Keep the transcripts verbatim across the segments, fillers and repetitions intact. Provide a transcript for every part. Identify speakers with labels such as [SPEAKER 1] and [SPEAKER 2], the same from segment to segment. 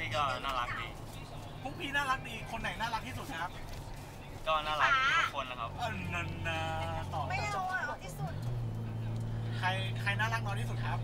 [SPEAKER 1] ก็น่ารักดี
[SPEAKER 2] พวกพี่น่ารักดีคนไหนน่ารักที่สุดครับ
[SPEAKER 1] ก็น่ารักทุกคนนะครับ
[SPEAKER 2] เออนันนาต่อ
[SPEAKER 3] ไม่เอาอ่ะเอาที่สุด
[SPEAKER 2] ใครใครน่ารักน้อยที่สุดครับ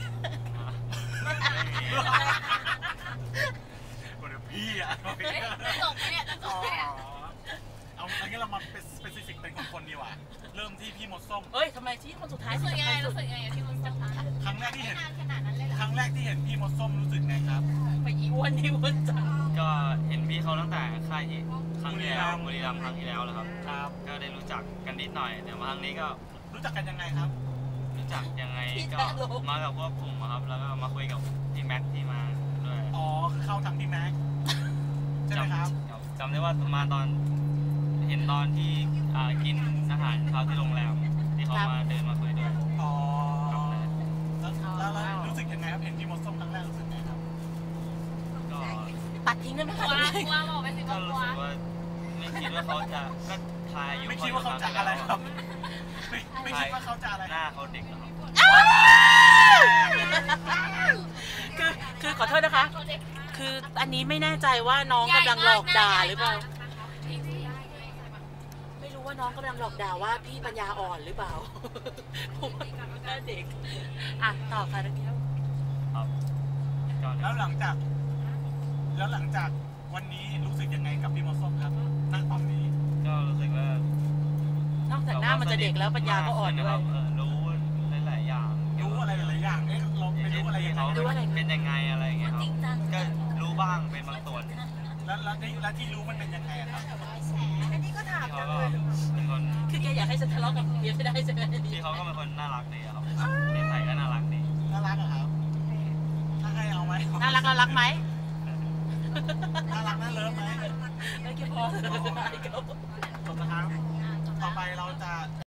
[SPEAKER 2] คนเดียวพี่อ่ะ
[SPEAKER 3] จบเนี่ยจบเนี่ย
[SPEAKER 2] เอาอันนี้เรามาเป็นสเปซิฟิกเป็นคนๆดีกว่าเริ่มที่พี่มดส้ม
[SPEAKER 4] เฮ้ยทำไมที่คนสุดท้าย
[SPEAKER 3] รู้สึกยังไงรู้สึกยังไงที่มันจะ
[SPEAKER 2] ครั้งแรกที่เห็น
[SPEAKER 3] ขนาดนั้นเลยเหรอ
[SPEAKER 2] ครั้งแรกที่เห็นพี่มดส้มรู้สึกไงครับ
[SPEAKER 4] ไปอีอ้วนนี่อ้วนจัง
[SPEAKER 1] ก็เห็นพี่เขาตั้งแต่ค่ายที่ครั้งที่แล้วบุรีรัมย์ครั้งที่แล้วแล้วครับ
[SPEAKER 2] ครับก็
[SPEAKER 1] ได้รู้จักกันนิดหน่อยแต่มาครั้งนี้ก็
[SPEAKER 2] รู้จักกันยังไงครับ
[SPEAKER 1] รู้จักยังไงก็มากับพวกกลุ่มครับแล้วก็มาคุยกับพี่แม็กที่มาด้วย
[SPEAKER 2] อ๋อคือเข้าทางพี่แม็กใช่ไหมครับ
[SPEAKER 1] จำได้ว่ามาตอนเห็นตอนที่กินอาหารเช้าที่โรงแรมที่เขามาเดินมาคุยด้วย
[SPEAKER 2] อ๋อแล้วแล้วรู้สึกยังไงครับเห็นพี่มดส้มครั้งแรกรู้สึกไงครับ
[SPEAKER 1] ก็
[SPEAKER 4] ตัดทิ้งได้ไหมคะ
[SPEAKER 3] กลัวกลัวบอกไปสิ
[SPEAKER 1] ก็รู้สึกว่าไม่คิดว่าเขาจะก็ทายอยู่
[SPEAKER 2] ไม่คิดว่าเขาจะอะไรครับไม่ไม่คิดว่าเขาจะอะไร
[SPEAKER 1] หน้าเขาเด็กนะครับ
[SPEAKER 4] คือคือขอโทษนะคะคืออันนี้ไม่แน่ใจว่าน้องกำลังหลอกด่าหรือเปล่าไม่รู้ว่าน้องกำลังหลอกด่าว่าพี่ปัญญาอ่อนหรือเปล่าหน้าเด็กอ่ะต่อค่ะนักเรียน
[SPEAKER 1] ครับ
[SPEAKER 2] แล้วหลังจากแล้วหลังจากวันนี้รู้สึกยังไงกับพี่มดส้มครับณตอนนี้
[SPEAKER 1] ก็รู้สึกว่าน
[SPEAKER 4] อกจากหน้ามันจะเด็กแล้วปัญญาก็อ่อนด้วย
[SPEAKER 1] รู้หลายๆอย่าง
[SPEAKER 2] รู้อะไรหลายๆอย่างเอ๊ะเราไม่รู้อะไรยังไง
[SPEAKER 1] รู้อะไรเป็นยังไงอะไรอย่างเงี้ยครับก็รู้บ้างเป็นบางส่วน
[SPEAKER 2] แล้วแล้วที่แล้วที่รู้มันเป็นยังไงครับ
[SPEAKER 3] อันนี้ก็ถามจังเลย
[SPEAKER 1] เป็นคน
[SPEAKER 4] คือแกอยากให้ฉันทะเลาะกับเบียร์ไม่ได้ใช่ไหม
[SPEAKER 1] ที่เขาก็เป็นคนน่ารักดีครับเด็กไทยก็น่ารักดี
[SPEAKER 2] น่ารักเหรอครับถ้าให้เอาไหม
[SPEAKER 4] น่ารักน่ารักไหม
[SPEAKER 2] น่ารักน่าเลิฟไหม
[SPEAKER 4] ไม่เกี่ยวพอ